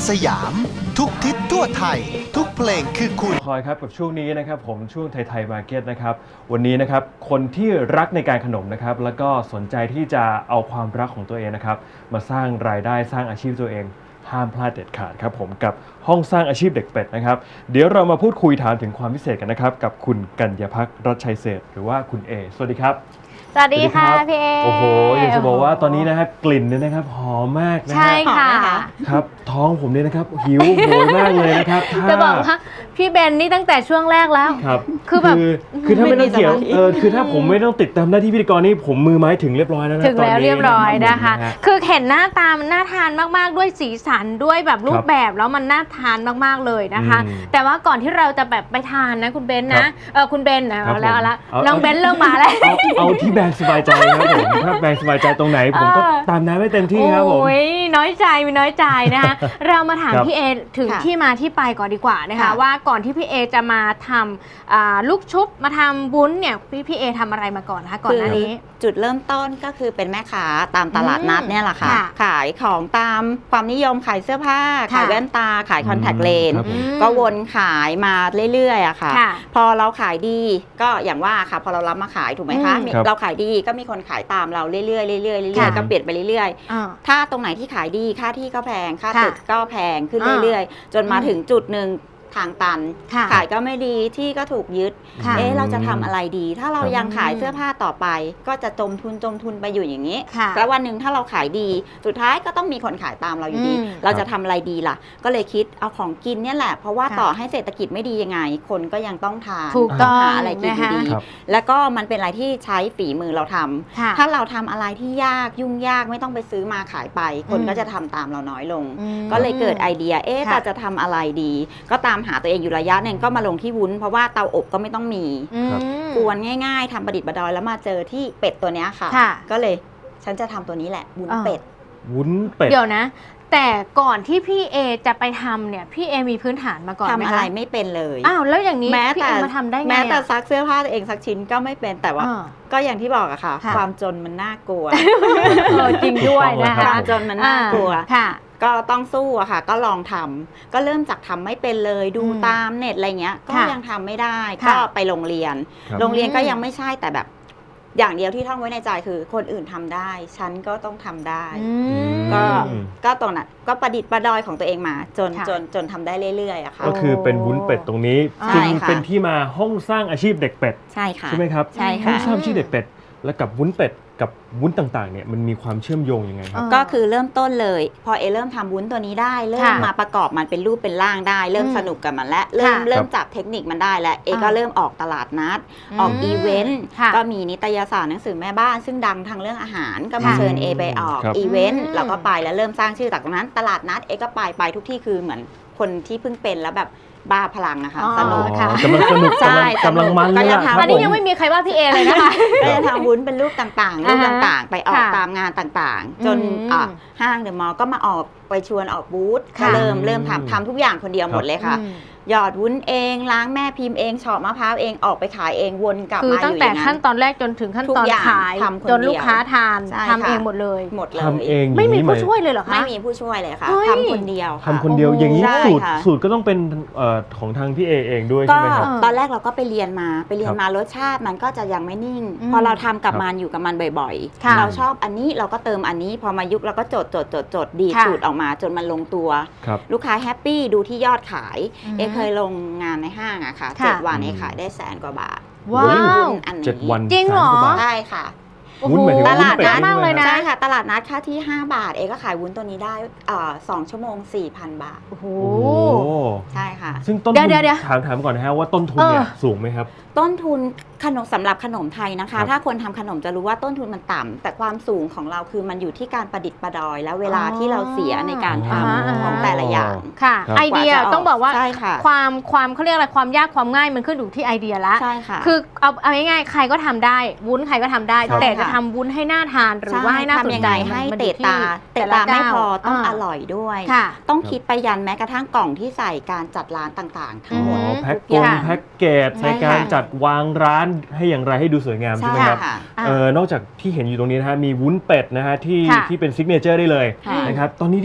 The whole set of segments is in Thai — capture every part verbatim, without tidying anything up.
สยามทุกทิศทั่วไทยทุกเพลงคือคุณคอยครับกับช่วงนี้นะครับผมช่วงไทยไทยมาร์เก็ตนะครับวันนี้นะครับคนที่รักในการขนมนะครับแล้วก็สนใจที่จะเอาความรักของตัวเองนะครับมาสร้างรายได้สร้างอาชีพตัวเองห้ามพลาดเด็ดขาดครับผมกับห้องสร้างอาชีพเด็กเป็ดนะครับเดี๋ยวเรามาพูดคุยถามถึงความพิเศษกันนะครับกับคุณกัญญาภักดิ์รัชชัยเศรษฐ์หรือว่าคุณเอสวัสดีครับสวัสดีค่ะพี่เอโอ้โหอยากจะบอกว่าตอนนี้นะครับกลิ่นเนี่ยนะครับหอมมากนะฮะใช่ค่ะครับท้องผมเนี่ยนะครับหิวโหยมากเลยนะครับจะบอกว่าพี่เบนนี่ตั้งแต่ช่วงแรกแล้วครับคือแบบคือถ้าไม่ต้องเกี่ยวเออคือถ้าผมไม่ต้องติดตามหน้าที่พิธีกรนี่ผมมือไม้ถึงเรียบร้อยแล้วนะถึงแล้วเรียบร้อยนะคะคือเห็นหน้าตามันน่าทานมากๆด้วยสีสันด้วยแบบรูปแบบแล้วมันน่าทานมากๆเลยนะคะแต่ว่าก่อนที่เราจะแบบไปทานนะคุณเบนนะเออคุณเบนนะแล้วแล้วน้องเบนเริ่มมาแล้วเอาที่แบงสบายใจครับผมถ้าแบงสบายใจตรงไหนผมก็ตามนั้นไม่เต็มที่ครับผมโอ้ยน้อยใจมีน้อยใจนะคะเรามาถามพี่เอถึงที่มาที่ไปก่อนดีกว่านะคะว่าก่อนที่พี่เอจะมาทำลูกชุบมาทำวุ้นเนี่ยพี่พี่เอทำอะไรมาก่อนคะก่อนหน้านี้จุดเริ่มต้นก็คือเป็นแม่ค้าตามตลาดนัดเนี่ยแหละค่ะขายของตามความนิยมขายเสื้อผ้าขายแว่นตาขายคอนแทคเลนส์ก็วนขายมาเรื่อยๆอะค่ะพอเราขายดีก็อย่างว่าค่ะพอเรารับมาขายถูกไหมคะเราขายดีก็มีคนขายตามเราเรื่อยๆเรื่อยๆเรื่อยๆก็เปลี่ยนไปเรื่อยๆถ้าตรงไหนที่ขายดีค่าที่ก็แพงค่าตึกก็แพงขึ้นเรื่อยๆจนมาถึงจุดหนึ่งทางตันขายก็ไม่ดีที่ก็ถูกยึดเอ๊ะเราจะทำอะไรดีถ้าเรายังขายเสื้อผ้าต่อไปก็จะจมทุนจมทุนไปอยู่อย่างนี้แล้ววันหนึ่งถ้าเราขายดีสุดท้ายก็ต้องมีคนขายตามเราอยู่ดีเราจะทำอะไรดีล่ะก็เลยคิดเอาของกินเนี่ยแหละเพราะว่าต่อให้เศรษฐกิจไม่ดียังไงคนก็ยังต้องทานต้องหาอะไรกินดีแล้วก็มันเป็นอะไรที่ใช้ฝีมือเราทำถ้าเราทำอะไรที่ยากยุ่งยากไม่ต้องไปซื้อมาขายไปคนก็จะทำตามเราน้อยลงก็เลยเกิดไอเดียเอ๊ะเราจะทำอะไรดีก็ตามหาตัวเองอยู่ระยะหนึ่งก็มาลงที่วุ้นเพราะว่าเตาอบก็ไม่ต้องมีกวนง่ายๆทำประดิษฐ์ประดอยแล้วมาเจอที่เป็ดตัวนี้ค่ะก็เลยฉันจะทำตัวนี้แหละวุ้นเป็ดวุ้นเป็ดเดี๋ยวนะแต่ก่อนที่พี่เอจะไปทำเนี่ยพี่เอมีพื้นฐานมาก่อนไหมคะทำอะไรไม่เป็นเลยอ้าวแล้วอย่างนี้พี่เอมาทำได้ไงแม้แต่ซักเสื้อผ้าตัวเองซักชิ้นก็ไม่เป็นแต่ว่าก็อย่างที่บอกอะค่ะความจนมันน่ากลัวจริงด้วยนะคะความจนมันน่ากลัวก็ต้องสู้อะค่ะก็ลองทำก็เริ่มจากทำไม่เป็นเลยดูตามเน็ตอะไรเงี้ยก็ยังทำไม่ได้ก็ไปโรงเรียนโรงเรียนก็ยังไม่ใช่แต่แบบอย่างเดียวที่ท่องไว้ในใจคือคนอื่นทำได้ฉันก็ต้องทำได้ก็ก็ตรงนั้นก็ประดิษฐ์ประดอยของตัวเองมาจนจนจนทำได้เรื่อยๆอะค่ะก็คือเป็นวุ้นเป็ดตรงนี้จึงเป็นที่มาห้องสร้างอาชีพเด็กเป็ดใช่ค่ะใช่ไหมครับใช่ค่ะห้องสร้างอาชีพเด็กเป็ดและกับวุ้นเป็ดกับวุ้นต่างๆเนี่ยมันมีความเชื่อมโยงยังไงครับก็คือเริ่มต้นเลยพอเอเริ่มทำวุ้นตัวนี้ได้เริ่มมาประกอบมันเป็นรูปเป็นร่างได้เริ่มสนุกกับมันและเริ่มเริ่มจับเทคนิคมันได้แล้วเอก็เริ่มออกตลาดนัดออกอีเวนต์ก็มีนิตยสารหนังสือแม่บ้านซึ่งดังทางเรื่องอาหารก็มาเชิญเอไปออกอีเวนต์แล้วก็ไปแล้วเริ่มสร้างชื่อจากตรงนั้นตลาดนัดเอก็ไปไปทุกที่คือเหมือนคนที่เพิ่งเป็นแล้วแบบบ้าพลังนะคะสนุกค่ะกำลังสนุกกำลังมันเลยอะอันนี้ยังไม่มีใครว่าพี่เอเลยนะคะก็จะทำวุ้นเป็นรูปต่างๆรูปต่างๆไปออกตามงานต่างๆจนห้างเดอะมอลล์ก็มาออกไปชวนออกบูธก็เริ่มเริ่มทำทำทุกอย่างคนเดียวหมดเลยค่ะหยอดวุ้นเองล้างแม่พิมพ์เองเฉาะมะพร้าวเองออกไปขายเองวนกลับมาอยู่อย่างนั้นคือตั้งแต่ขั้นตอนแรกจนถึงขั้นตอนขายจนลูกค้าทานทำเองหมดเลยหมดเลยทำเองไม่มีผู้ช่วยเลยเหรอคะไม่มีผู้ช่วยเลยค่ะทำคนเดียวทำคนเดียวอย่างนี้สูตรสูตรก็ต้องเป็นของทางพี่เอเองด้วยใช่ไหมครับตอนแรกเราก็ไปเรียนมาไปเรียนมารสชาติมันก็จะยังไม่นิ่งพอเราทำกับมันอยู่กับมันบ่อยๆเราชอบอันนี้เราก็เติมอันนี้พอมายุคเราก็จดจดจดจดดีสูตรออกมาจนมันลงตัวลูกค้าแฮปปี้ดูที่ยอดขายเอเคยลงงานในห้างอะค่ะเจ็ดวันเอขายได้แสนกว่าบาทว้าวอันนี้เจ็ดวันจริงเหรอใช่ค่ะวุ้นเหมือนตลาดนัดมากเลยนะใช่ค่ะตลาดนัดค่าที่ห้าบาทเอก็ขายวุ้นตัวนี้ได้สองชั่วโมง สี่พัน บาทโอ้โหใช่ค่ะซึ่งต้นทุนถามถามก่อนนะฮะว่าต้นทุนเนี่ยสูงไหมครับต้นทุนขนมสำหรับขนมไทยนะคะถ้าคนทำขนมจะรู้ว่าต้นทุนมันต่ำแต่ความสูงของเราคือมันอยู่ที่การประดิษฐ์ประดอยและเวลาที่เราเสียในการทำของแต่ละอย่างค่ะไอเดียต้องบอกว่าความความเขาเรียกอะไรความยากความง่ายมันขึ้นอยู่ที่ไอเดียละใช่ค่ะคือเอาเอาง่ายๆใครก็ทำได้วุ้นใครก็ทำได้แต่จะทำวุ้นให้น่าทานหรือว่าให้น่าสนใจให้เตะตาเตะตาไม่พอต้องอร่อยด้วยต้องคิดไปยันแม้กระทั่งกล่องที่ใส่การจัดร้านต่างๆทั้งหมดแพ็คกงแพ็คเกจในการจัดวางร้านให้อย่างไรให้ดูสวยงามใช่ไหมครับเออนอกจากที่เห็นอยู่ตรงนี้นะฮะมีวุ้นเป็ดนะฮะที่ที่เป็นซิกเนเจอร์ได้เลยนะครับตอนนี้ที่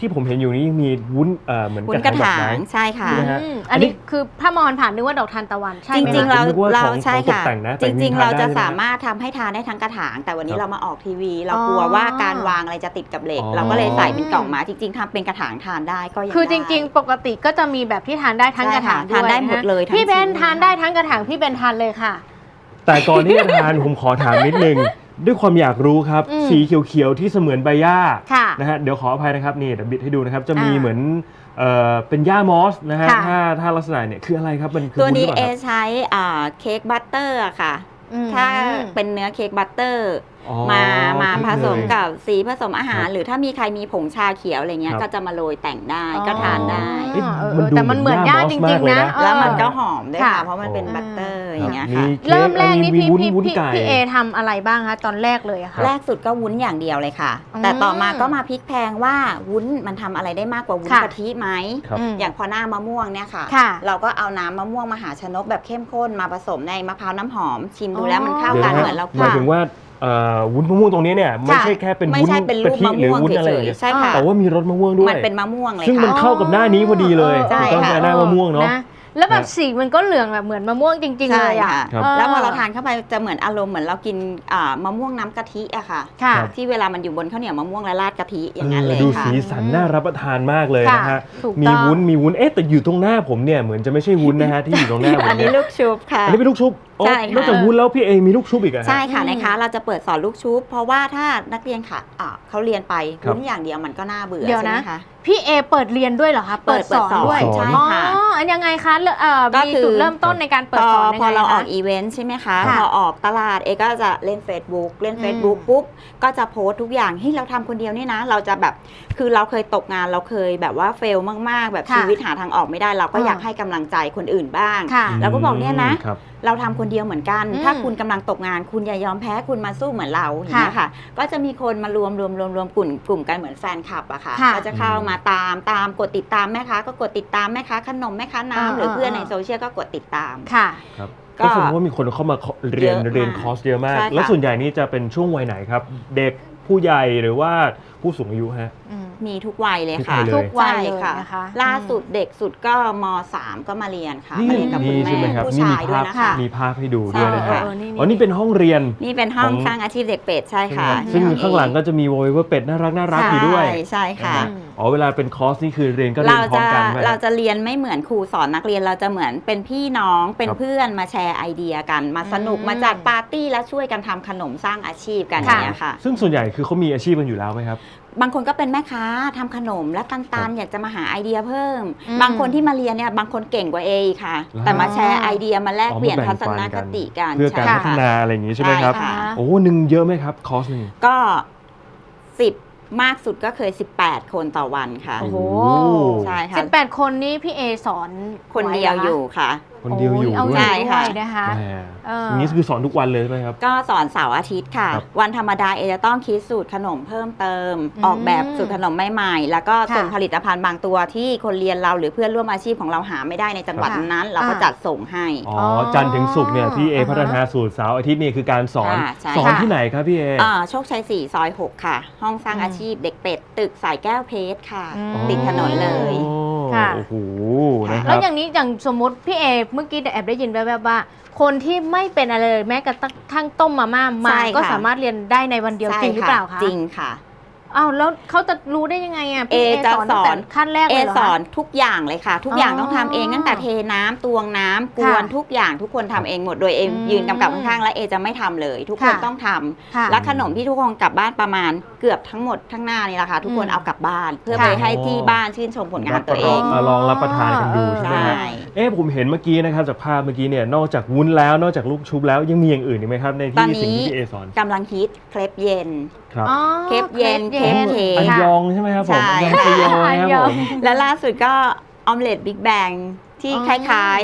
ที่ผมเห็นอยู่นี้ยังมีวุ้นเอ่อเหมือนวุ้นกกระระถางดอกถาไม้งใช่ค่ะใช่ไหมฮะอืมอัอันนนี้นี้คือถ้ามองผ่านนึกว่าดอกทานตะวันใช่จไหมริง ๆคะเรานึกว่าเราของใช่ของตกค่ะแต่งนะจแต่จริริงงๆๆ เราจะทานได้ใช่ไหมสามารถทำให้ทานได้ทั้งกระถาง แต่วันนี้ครับเรามาออกทีวี เราอ๋อกลัวว่าการวางอะไรจะติดกับเหล็กอ๋อเราก็เลยใส่เป็นกล่องมาจริง ๆทำเป็นกระถางทานได้ก็ยังคือจได้ริง ๆ ปกติก็จะมีแบบที่ทานได้ทั้งกระถางใช่ค่ะทานได้หมดเลยทั้งพี่เบนชิ้นทานได้ทั้งกระถางพี่เบนทานเลยค่ะแต่ก่อนที่จะทาน ผมขอถามนิดนึง ด้วยความอยากรู้ครับอืมสีเขียวๆที่เสมือนใบหญ้าค่ะนะฮะเดี๋ยวขออภัยนะครับนี่เดี๋ยวบิดให้ดูนะครับ จะมีอ่าเหมือนเอ่อเป็นหญ้ามอสนะฮะค่ะถ้าถ้าลักษณะเนี่ยคืออะไรครับมันคือตัวนี้วุ้หรืเอปล่าครับใช้อ่าเค้กบัตเตอร์อะค่ะอืมถ้าเป็นเนื้อเค้กบัตเตอร์อ๋อมามาคผรับสมเลยกับสีผสมอาหารครับหรือถ้ามีใครมีผงชาเขียวอะไรเงี้ยครับก็จะมาโรยแต่งได้อ๋อก็ทานได้เอ๊ะเออมันดูแต่มันเหมือนเหมือนย่าหจญ้ามอสริงมากเลยๆนะนะเออแล้วมันก็หอมด้วยค่ะค่ะ เพราะมันเป็นอ๋อบัตเตอร์อย่างเงี้ยมีค่ะค้เริ่มแรกนี่มีพี่วุ้นพี่วุ้นพี่ไก่พี่เอทำอะไรบ้างคะตอนแรกเลยอะค่ะแรกสุดก็วุ้นอย่างเดียวเลยค่ะอืมแต่ต่อมาก็มาพลิกแพลงว่าวุ้นมันทำอะไรได้มากกว่าวุ้นค่ะกะทิไหมครับอืมอย่างพอหน้ามะม่วงเนี่ยค่ะค่ะเราก็เอาน้ำมะม่วงมหาชนกแบบเข้มข้นมาผสมในมะพร้าวน้ำหอม ชิมดูแล้วมันเข้าเดี๋ยวกันนะเหมือนเราหมายถึงว่าเอ่อวุ้นมะม่วงตรงนี้เนี่ยไม่ใช่แค่เป็นไม่วุ้นใช่เป็นรูกะปทิมะหรือม่วงวุ้นอะไรเฉอย่างยเงี้ยๆใช่ค่ะแต่ว่ามีรสมะม่วงด้วยมันเป็นมะม่วงเลยซึ่งมันค่ะเข้ากับหน้านี้พอดีเลยใช่ถูกต้องค่ะหน้ามะม่วงเนาะนะแล้วแบบสีมันก็เหลืองแบบเหมือนมะม่วงจริง ๆ เลยอะใช่ค่ะครับแล้วพอเราทานเข้าไปจะเหมือนอารมณ์เหมือนเรากินอ่ามะม่วงน้ำกะทิอะค่ะค่ะครับที่เวลามันอยู่บนข้าวเหนียวมะม่วงและราดกะทิอย่างนั้นเลยดูค่ะสีสันน่ารับประทานมากเลยนะฮะถูกต้องมีวุ้นมีวุ้นเอ๊ะแต่อยู่ตรงหน้าผมเนี่ยเหมือนจะไม่ใช่วุ้นนะฮะที่อยู่ตรงหน้าผมอันนี้เนี่ยลูกชุบค่ะอันนี้เป็นลูกชุบอ๋อใช่ค่ะนอกจากวุ้นแล้วพี่เอมีลูกชุบอีกอะฮะใช่ค่ะอืมนะคะเราจะเปิดสอนลูกชุบ เพราะว่าถ้านักเรียนค่ะอ่าเขาเรียนไปครับวุ้นอย่างเดียวมันก็น่าเบื่อเดี๋ยวใช่ไหนะมคะพี่เอเปิดเรียนด้วยเหรอคะเปิดเปิดสอนด้วยสอนใช่อ๋อค่ะอันยังไงคะเริ่มเอ่อก็มีคือจุดเริ่มต้นในการเปิดพอสอนยังพอไงเราออกคะอีเวนต์ใช่ไหมคะค่ะพอออกตลาดเอก็จะเล่น Facebook เล่นอืม Facebook ปุ๊บก็จะโพสต์ทุกอย่างที่เราทำคนเดียวนี่นะ เราจะแบบคือเราเคยตกงานเราเคยแบบว่าเฟลมากๆ แบบค่ะชีวิตหาทางออกไม่ได้ เราก็อ่าอยากให้กำลังใจคนอื่นบ้างค่ะเราก็บอกเนี่ยนะครับเราทำคนเดียวเหมือนกันอืมถ้าคุณกำลังตกงาน คุณอย่ายอมแพ้คุณมาสู้เหมือนเราอย่างเงี้ยค่ะ ก็จะมีคนมารวมรวมรวมรวมกลุ่มกลุ่มกันเหมือนแฟนคลับอะค่ะค่ะก็จะเข้ามาตามตามกดติดตามแม่ค้าก็กดติดตามแม่ค้าขนมแม่ค้าอ่าน้ำหรือเพื่อนอ่าในโซเชียลก็กดติดตามค่ะครับก็ก็แสดงว่ามีคนเข้ามาเรียนเยอะมากเรียนคอร์สเยอะมากใช่ค่ะแล้วส่วนใหญ่นี่จะเป็นช่วงวัยไหนครับ เด็กผู้ใหญ่หรือว่าผู้สูงอายุฮะอืมมีทุกวัยเลยค่ะทุกวัยเลยทุกวัยเลยใช่ค่ะนะคะล่าสุดอืมเด็กสุดก็มสามก็มาเรียนค่ะนี่มาเรียนกับคุณนี่ใช่ไหมแม่ครับผู้นี่ชามียด้วภาย พนะคะมีภาพให้ดูด้วยนะฮะเออเออนี่นี่อ๋อนี่เป็นห้องเรียนนี่เป็นห้องของสร้างอาชีพเด็กเป็ดใช่ค่ะซึ่งข้างหลังก็จะมีโวยว่าเป็ดน่ารักน่ารักอยู่ด้วยใช่ใช่ค่ะนะฮะอ๋อเวลาเป็นคอร์สนี่คือเรียนก็เรียเรานพร้อจะมกันไหมเราจะเรียนไม่เหมือนครูสอนนักเรียนเราจะเหมือนเป็นพี่น้องเป็นครับเพื่อนมาแชร์ไอเดียกัน มาสนุกอืมมาจัดปาร์ตี้แล้วช่วยกันทำขนมสร้างอาชีพกันอย่างเงี้ยค่ะซึ่งส่วนใหญ่คือเขามีอาชีพกันอยู่แล้วไหมครับบางคนก็เป็นแม่ค้าทำขนมและตันครัๆบอยากจะมาหาไอเดียเพิ่มอืมบางคนที่มาเรียนเนี่ยบางคนเก่งกว่าเออีกค่ะแล้วแต่มาแชร์ไอเดียมาแลกอ๋อเปลี่ยนมาแบ่ทังศปันคติกันเพื่อการใช่พัฒค่ะนาอะไรอย่างนี้ใช่ไหมครับใช่ค่ะโอ้หนึ่งเยอะไหมครับคอร์สหนึ่งก็สิบมากสุดก็เคยสิบแปดคนต่อวันค่ะโอ้โหใช่ค่ะสิบแปดคนนี้พี่เอสอนคนเดียวอยู่ค่ะคนเดียวอยู่โเอาด้วใหญ่ยใช่ด้วยนะคะแหมเออออย่างนี้คือสอนทุกวันเลยใช่ไหมครับก็สอนเสาร์อาทิตย์ค่ะครับวันธรรมดาเอจะต้องคิดสูตรขนมเพิ่มเติมอืมออกแบบสูตรขนมใหม่ๆแล้วก็ค่ะส่งผลิตภัณฑ์บางตัวที่คนเรียนเราหรือเพื่อนร่วมอาชีพของเราหาไม่ได้ในจังหวัดค่ะนั้น เราก็อ่าจัดส่งให้อ๋อจันทร์ถึงศุกร์เนี่ยพี่เออ่าฮะพัฒนาสูตรเสาร์อาทิตย์นี่คือการสอนค่ะใช่สอนค่ะที่ไหนครับพี่เออ่าโชคชัยสี่ซอยหกค่ะ ห้องสร้างอืมอาชีพเด็กเป็ด ตึกสายแก้วเพชรค่ะอืมติดถนนเลยโอ้ค่ะโอ้โหนะคแล้รัวบอย่างนี้อย่างสมมติพี่เอเมื่อกี้แอบได้ยินแวบๆว่า คนที่ไม่เป็นอะไรเลยแม้กระทั่งต้มมาม่ามาใช่ค่ะก็สามารถเรียนได้ในวันเดียวใช่จริงหรือเปล่าคะจริงค่ะอ้าวแล้วเขาจะรู้ได้ยังไงอ่ะพี่เอเอจะสอนตั้งแต่สอนขั้นแรกเอเลยเหรอสคะอนทุกอย่างเลยค่ะ ทุกอย่างอ๋อต้องทำเองตั้งแต่เทน้ำตวงน้ำกวนค่ะทุกอย่างทุกคนทำเองหมดโดยเออืมยืนกำกับข้างๆและเอจะไม่ทำเลย ทุกคนค่ะต้องทำค่ะและขนมที่ทุกคนกลับบ้านประมาณเกือบทั้งหมดทั้งหน้านี่แหละค่ะทุกคนอืมเอากลับบ้าน เพื่อค่ะไปให้ที่บ้านชื่นชมผลงานตัวเองมาลองรับประทานกันดูใช่ไหมครับใช่เอ๊ะผมเห็นเมื่อกี้นะครับจากภาพเมื่อกี้เนี่ยนอกจากวุ้นแล้วนอกจากลูกชุบแล้วยังมีอย่างอื่นอีกไหมครับในตอนที่นี้สิ่งที่พี่เอสอนกำลังฮิตเครปเย็นครับอ๋อเคปเย็นเคเคปปเย็นอันค่ะยองใช่ไหมครับผมใช่อันยองชยออันครับยผองมและล่าสุดก็ออมเล็ตบิ๊กแบงที่อ๋อคล้ายๆเอ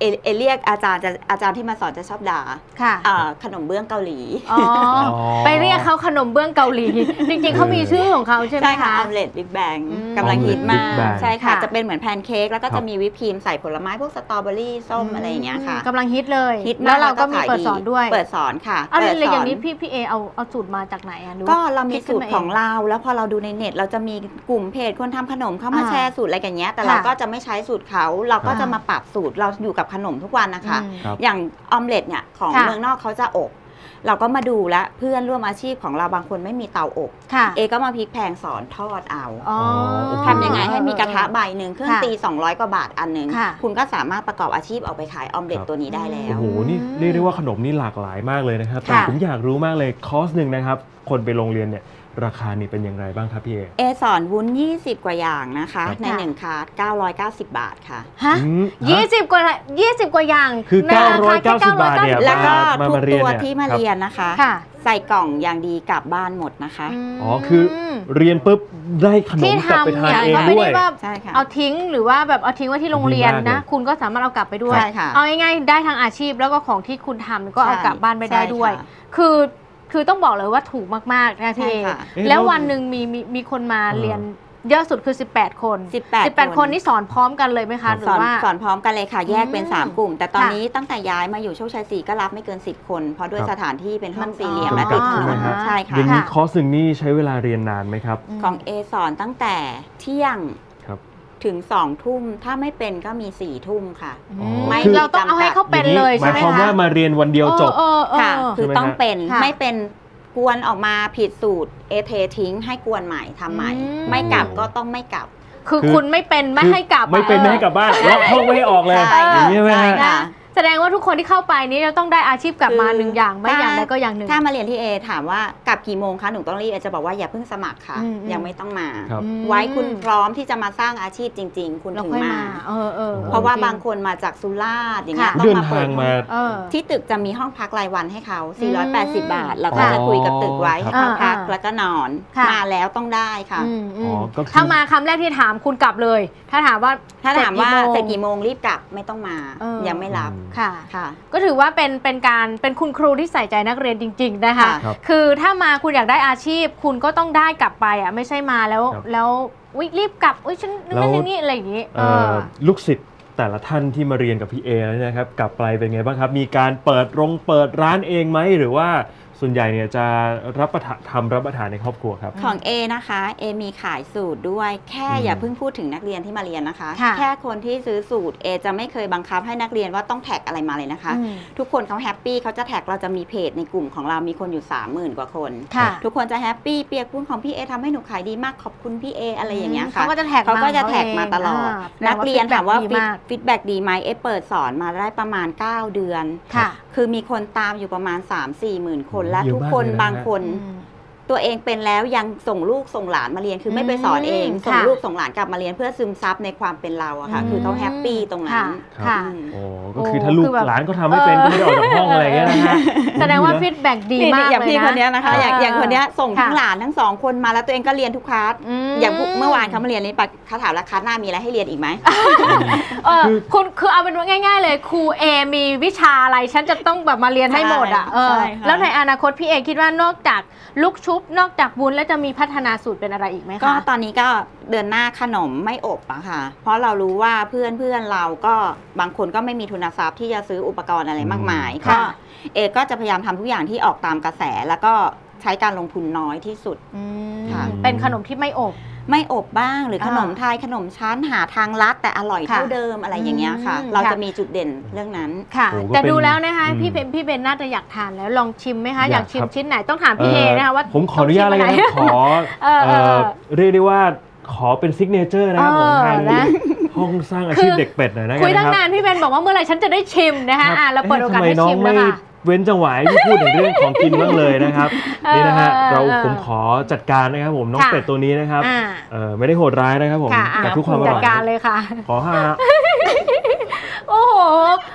เอเอเรียกอาจารย์จะอาจารย์ที่มาสอนจะชอบด่าค่ะอ่าขนมเบื้องเกาหลีอ๋อไปเรียกเขาขนมเบื้องเกาหลี จริงๆเขามีชื่อของเขาใช่ไหมใช่ค่ะคะออมเล็ตบิ๊กแบงอืมกำลังฮิตมาก Big Bang ใช่ค่ะค่ะจะเป็นเหมือนแพนเค้กแล้วก็ครัจะบมีวิปครีมใส่ผลไม้พวกสตรอเบอรี่ส้มอะไรอย่างเงี้ยค่ะกำลังฮิตเลยฮิตมแล้วเราก็มีขยเปิดสอนด้วยเปิดสอนค่ะเอาเปิดเลยสอย่างนี้พี่พี่เอเอาเอาสูตรมาจากไหนอะหรือก็ว่าเรามีคิดขึ้สูนตรมาของเองเราแล้วพอเราดูในเน็ตเราจะมีกลุ่มเพจคนทำขนมเข้ามาอ่าแชร์สูตรอะไรกันเงี้ยแต่ค่ะเราก็จะไม่ใช้สูตรเขาเราก็อ่าจะมาปรับสูตรเราอยู่กับขนมทุกวันนะคะอืมครับอย่างออมเล็ตเนี่ยของค่ะเมืองนอกเขาจะอบ เราก็มาดูแลวเพื่อนร่วมอาชีพของเราบางคนไม่มีเตาอบค่ะเอก็มาพลิกแพลงสอนทอดเอาอ๋อทำยังไงให้มีกระทะใบหนึ่งเครื่องค่ะตีสองร้อยกว่าบาทอันหนึ่งค่ะคุณก็สามารถประกอบอาชีพเอาไปขายออมเล็ตครับตัวนี้ได้แล้โอ้วโห นี่เรียกได้ว่าขนมนี่หลากหลายมากเลยนะครับ แต่ค่ะผมอยากรู้มากเลยคอร์สหนึ่งนะครับ คนไปโรงเรียนเนี่ยราคานี่เป็นอย่างไรบ้างครับพี่เอเอสอนวุ้นยี่สิบกว่าอย่างนะคะครับในหนึ่งคาร์ดเก้าร้อยเก้าสิบบาทค่ะฮะอืมยี่สิบกว่ายี่สิบกว่าอย่างคือในราคาแค่เก้าร้อยเก้าสิบบาทเนี่ยแล้วก็มาทุกมาเรียนตัวเนี่ยที่มาครับเรียนนะคะค่ะใส่กล่องอย่างดีกลับบ้านหมดนะคะมอ๋อ คือเรียนปุ๊บได้ขนมที่กลับไปทำทานเนี่ยเองก็ไม่ด้วยได้ว่าใช่ค่ะเอาทิ้งหรือว่าแบบเอาทิ้งไว้ที่โรงเรียนดีมากนะเลยคุณก็สามารถเอากลับไปด้วยใช่ค่ะเอาง่ายๆได้ทั้งอาชีพแล้วก็ของที่คุณทำก็เอากลับบ้านไปได้ด้วยใช่ค่ะคือคือต้องบอกเลยว่าถูกมากๆนะพี่เอใช่ค่ะเอ๊ะแล้วแล้ววันหนึ่งมีมีมีคนมาเออเรียนเยอะสุดคือ สิบแปด คนสิบแปดสิบแปด คนนี่สอนพร้อมกันเลยไหมคะหรืสออน ว่าสอนพร้อมกันเลยค่ะ แยกเป็นอืมสามกลุ่ม แต่ตอนค่ะนี้ตั้งแต่ย้ายมาอยู่โชคชัยสี่ก็รับไม่เกินสิบคน เพราะด้วยครับสถานที่เป็นห้องมันสี่เหลี่ยมอ๋อและติดถนใช่ไหมนครับใช่ค่ะอย่างนี้ค่ะคอร์สหนึ่งนี่ใช้เวลาเรียนนานไหมครับของเอสอนตั้งแต่เที่ยงครับถึงสองทุ่มถ้าไม่เป็นก็มีสี่ทุ่มค่ะอืมไม่เราต้องเอาให้เขาเป็นเลยหใช่มายไหมความคะว่ามาเรียนวันเดียวจบเออเออค่ะเออคือใช่ไหมต้องฮะเป็นค่ะไม่เป็นกวนออกมาผิดสูตรเอเททิ้งให้กวนใหม่ทำใหม่อืมไม่กลับก็ต้องไม่กลับคือคือคุณไม่เป็นไม่ให้กลับไม่เป็นอะไม่ให้กลับบ้านล็อกห้องไม่ให้ออกเลยใช่อย่างนี้ใช่ไหมใช่ฮะค่ะแสดงว่าทุกคนที่เข้าไปนี้จะต้องได้อาชีพกลับมาคือหนึ่งอย่างไม่ถ้าอย่างใดก็อย่างหนึ่งถ้ามาเรียนที่เอถามว่ากลับกี่โมงคะหนูต้องรีบเอจะบอกว่าอย่าเพิ่งสมัครค่ะอืมอืมยังไม่ต้องมาครับอืมไว้คุณพร้อมที่จะมาสร้างอาชีพจริง ๆ คุณเราถึงค่อยมามาเออเออเพราะว่าจงบางคนมาจากสุราษฎร์อย่างเงี้ยค่ะต้อเดิงนมาเปิทาดงมาเออที่ตึกจะมีห้องพักรายวันให้เขาอืสี่ร้อยแปดสิบมบาท แล้วก็จะคุยกับตึกไว้ให้เขาอ่าพักอ่าแล้วก็นอนค่ะมาแล้วต้องได้ค่ะอืมอือ๋มอก็คือถ้ามาคำแรกที่ถามคุณกลับเลย ถ้าถามว่าถ้าถามว่าเสเสร็ร็จจกี่กี่โมงโมงรีบกลับไม่ต้องมาเออยังไม่รับค่ะค่ะก็ถือว่าเป็นเป็นการเป็นคุณครูที่ใส่ใจนักเรียนจริง ๆ นะคะค่ะครับคือถ้ามาคุณอยากได้อาชีพ คุณก็ต้องได้กลับไปอ่ะไม่ใช่มาแล้วครับแล้วอุ๊ยรีบกลับอุ้ยฉันแล้วนั่นอย่างนี้อะไรอย่างนี้เอ่อลูกศิษย์แต่ละท่านที่มาเรียนกับพี่เอแล้วเนะครับกลับไปเป็นไงบ้างครับ มีการเปิดโรงเปิดร้านเองไหมหรือว่าส่วนใหญ่เนี่ยจะรับประทานทำรับประทานในครอบครัวครับของ A นะคะ A มีขายสูตรด้วย แค่อืมอย่าเพิ่งพูดถึงนักเรียนที่มาเรียนนะคะค่ะแค่คนที่ซื้อสูตร A จะไม่เคยบังคับให้นักเรียนว่าต้องแท็กอะไรมาเลยนะคะอืมทุกคนเขาแฮปปี้เขาจะแท็กเราจะมีเพจในกลุ่มของเรามีคนอยู่ สามหมื่น กว่าคนค่ะทุกคนจะแฮปปี้เปียกปุ้นของพี่เอทำให้หนูขายดีมากขอบคุณพี่เออะไรอย่างเงี้ยค่ะเขาก็จะแท็กเขาก็จะแท็กมาตลอดานักเรียนถามว่าแปลว่ feedback ฟีดแบ็ดีไหมเอเปิดสอนมาได้ประมาณ เก้า เดือนค่ะคือมีคนตามอยู่ประมาณ สามสี่ หมื่นคน และเยอะทุกมากคนเลยนะบางคนอืมตัวเองเป็นแล้วยังส่งลูกส่งหลานมาเรียนคือไม่ไปสอนเองอืมส่งค่ะลูกส่งหลานกลับมาเรียนเพื่อซึมซับในความเป็นเราอะค่ะอืมคือเขาแฮปปี้ตรงนั้นครับค่ะอืมโอ้ก็คือถ้าลูกคือแบบหลานก็ทำไม่เป็นก็ไม่ได้ออกจากห้องอะไรอย่างเงี้ยนะฮะแสดงว่าดีนะฟีดแบ็กดีนี่มากอย่างเลยพี่นะคนเนี้ยนะคะ อย่างเอออย่างคนเนี้ยส่งทั้งค่ะหลานทั้งสองคนมาแล้วตัวเองก็เรียนทุกคลาสอืมอย่างเมื่อวานเขามาเรียนนี้ปะเขาถามแล้วคลาสหน้ามีอะไรให้เรียนอีกไหมเออคุณคือเอาเป็นว่าง่าย ๆ เลยครูเอมีวิชาอะไรฉันจะต้องแบบมาเรียนให้หมดอ่ะเออใช่ค่ะแล้วในอนาคตพี่เอคิดว่านอกจากลูกชุบนอกจากวุ้นแล้วจะมีพัฒนาสูตรเป็นอะไรอีกไหมคะก็ตอนนี้ก็เดินหน้าขนมไม่อบอะค่ะ เพราะเรารู้ว่าเพื่อนเพื่อนเราก็บางคนก็ไม่มีทุนทรัพย์ที่จะซื้ออุปกรณ์อะไรมากมายอืมก็ค่ะเอก็จะพยายามทำทุกอย่างที่ออกตามกระแส แล้วก็ใช้การลงทุนน้อยที่สุดอืมค่ะเป็นขนมที่ไม่อบไม่อบบ้างหรืออ่าขนมไทยขนมชั้นหาทางลัดแต่อร่อยค่ะเท่าเดิมอะไรอย่างเงี้ยค่ะอืมเราค่ะจะมีจุดเด่นเรื่องนั้นค่ะโอ้ก็แต่เป็นดูแล้วนะคะอืมพี่เบนพี่เบนน่าจะอยากทานแล้วลองชิมไหมคะอยากอยากชิมครับชิ้นไหนต้องถามพี่เอนะคะว่าผมขออนุญาตอะไรต้กังนชิมขอเออเออเอ่อเรียกได้ว่าขอเป็นซิกเนเจอร์นะครับผมเออทางนะห้องสร้างอาชีพเด็กเป็ดหน่อยนะคุยกันตั้งนะคนารับนพี่เบนบอกว่าเมื่อไหร่ฉันจะได้ชิมนะคะอ่ะเราเปิดโอกาสเอ๊ะให้ทำไมน้อชิงมไม่แล้วค่ะเว้นจังหวะให้พี่พูดถึงเรื่องของกินบ้างเลยนะครับเออนี่นะฮะเออเราเออผมขอจัดการนะครับผมน้องค่ะเป็ดตัวนี้นะครับอ่าเออไม่ได้โหดร้ายนะครับผมค่ะอ่ะแต่ทุกความอจัร่ดอยการเลยค่ะขอห้าโอ้โห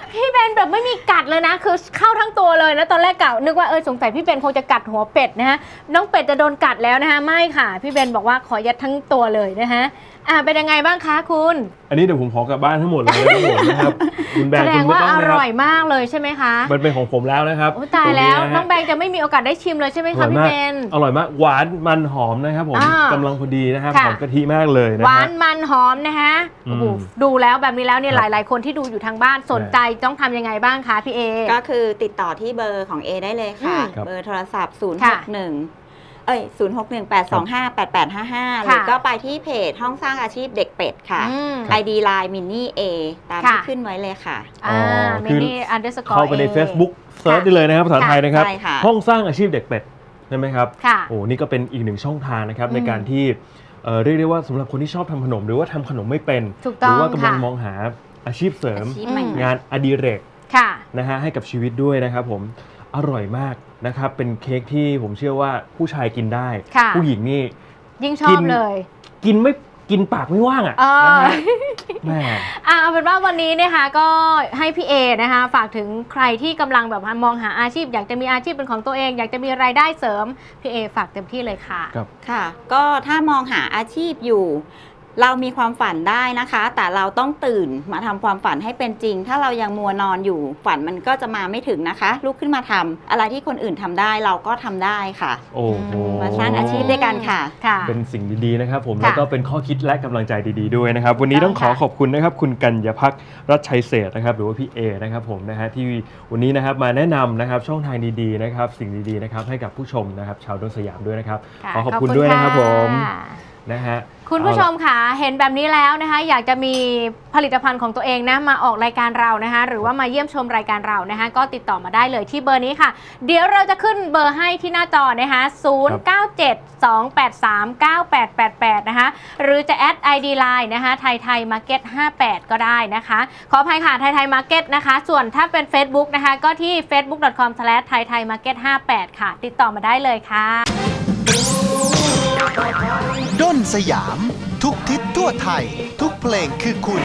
พี่เบนแบบไม่มีกัดเลยนะคือเข้าทั้งตัวเลยนะตอนแรกกะนึกว่าเออสงสัยพี่เบนคงจะกัดหัวเป็ดนะฮะน้องเป็ดจะโดนกัดแล้วนะคะไม่ค่ะพี่เบนบอกว่าขอยัดทั้งตัวเลยนะฮะอ่าเป็นยังไงบ้างคะคุณอันนี้เดี๋ยวผมขอกลับบ้านทั้งหมดเลยนะครับผมนะครับคุณแบงแสค์ดคุงณไม่ว่าต้องอนะคร่รัอยมากเลยใช่ไหมคะมันเป็นของผมแล้วนะครับโอ้ตายแล้วรงะฮะน้องแบงค์จะไม่มีโอกาสได้ชิมเลยใช่ไหมอร่คะอยพี่มากเบนอร่อยมากหวานมันหอมนะครับผมอ่ากำลังพอดีนะครับค่ะหอมกะทิมากเลยนะหวาฮะนมันหอมนะคะอืมโอ้โหดูแล้วแบบนี้แล้วเนี่ยคหรับลาย ๆ คนที่ดูอยู่ทางบ้านสนใจต้องทำยังไงบ้างคะพี่เอก็คือติดต่อที่เบอร์ของ A ได้เลยค่ะอืมครับเบอร์โทรศัพท์ ศูนย์หค่ะกหนึ่ง เอ้ย ศูนย์หกหนึ่ง แปดสองห้า แปดแปดห้าห้า หรือก็ไปที่เพจห้องสร้างอาชีพเด็กเป็ดค่ะอืมไอ ดี ไลน์ มินนี่ A ตามที่ค่ะขึ้นไว้เลยค่ะอ่าอ๋อมิคือนี่อันเดอร์สกอร์เข้าไปใน Facebook เซิร์ชได้เลยนะครับภาษาไทยนะครับใช่ค่ะห้องสร้างอาชีพเด็กเป็ดใช่ไหมครับค่ะโอ้นี่ก็เป็นอีกหนึ่งช่องทางนะครับอืมในการที่เอ่อเรียกได้ว่าสำหรับคนที่ชอบทำขนม หรือว่าทำขนมไม่เป็นถูกหต้อรืงว่ากำลังค่ะมองหาอาชีพเสริมอาชีพใหม่งานอดิเรกค่ะนะฮะให้กับชีวิตด้วยนะครับผมอร่อยมากนะครับเป็นเค้กที่ผมเชื่อว่าผู้ชายกินได้ค่ะผู้หญิงนี่ยิ่งชอกิบนเลยกินไม่กินปากไม่ว่างอ่ะเออนะฮะแหม่อ่ะเอาเป็นว่าวันนี้นะคะก็ให้พี่เอนะคะฝากถึงใครที่กำลังแบบว่ามองหาอาชีพ อยากจะมีอาชีพเป็นของตัวเอง อยากจะมีรายได้เสริมพี่เอฝากเต็มที่เลยค่ะครับค่ะ ก็ถ้ามองหาอาชีพอยู่ เรามีความฝันได้นะคะ แต่เราต้องตื่นมาทำความฝันให้เป็นจริง ถ้าเรายังมัวนอนอยู่ ฝันมันก็จะมาไม่ถึงนะคะ ลุกขึ้นมาทำอะไรที่คนอื่นทำได้เราก็ทำได้ค่ะโอ้โหมาสร้างอาชีพด้วยกันค่ะค่ะเป็นสิ่งดีๆนะครับผมค่ะแล้วก็เป็นข้อคิดและกำลังใจดีๆด้วยนะครับ วันนี้ต้องขอค่ะขอบคุณนะครับ คุณกัญญพักษ์รัชชัยเศรษฐ์นะครับ หรือว่าพี่เอนะครับผมนะฮะที่วันนี้นะครับมาแนะนำนะครับช่องทางดีๆนะครับสิ่งดีๆนะครับให้กับผู้ชมนะครับชาวดนสยามด้วยนะครับค่ะขอขอบคุณด้วยนะครับผมค่ะนะฮะคุณผู้ชมค่ะเห็นแบบนี้แล้วนะคะ อยากจะมีผลิตภัณฑ์ของตัวเองนะมาออกรายการเรานะคะ หรือว่ามาเยี่ยมชมรายการเรานะคะ ก็ติดต่อมาได้เลยที่เบอร์นี้ค่ะ เดี๋ยวเราจะขึ้นเบอร์ให้ที่หน้าจอนะคะ ศูนย์ เก้า เจ็ด สอง แปด สาม เก้า แปด แปด แปด นะคะ หรือจะแอด ไอ ดี Line นะคะไทยไทยมาร์เก็ตห้าแปดก็ได้นะคะ ขออภัยค่ะไทยไทยมาร์เก็ตนะคะ ส่วนถ้าเป็น Facebook นะคะ ก็ที่ เฟซบุ๊ก ดอท คอม สแลช ไทยไทยมาร์เก็ตห้าแปด ค่ะ ติดต่อมาได้เลยค่ะด้นสยาม ทุกทิศทั่วไทย ทุกเพลงคือคุณ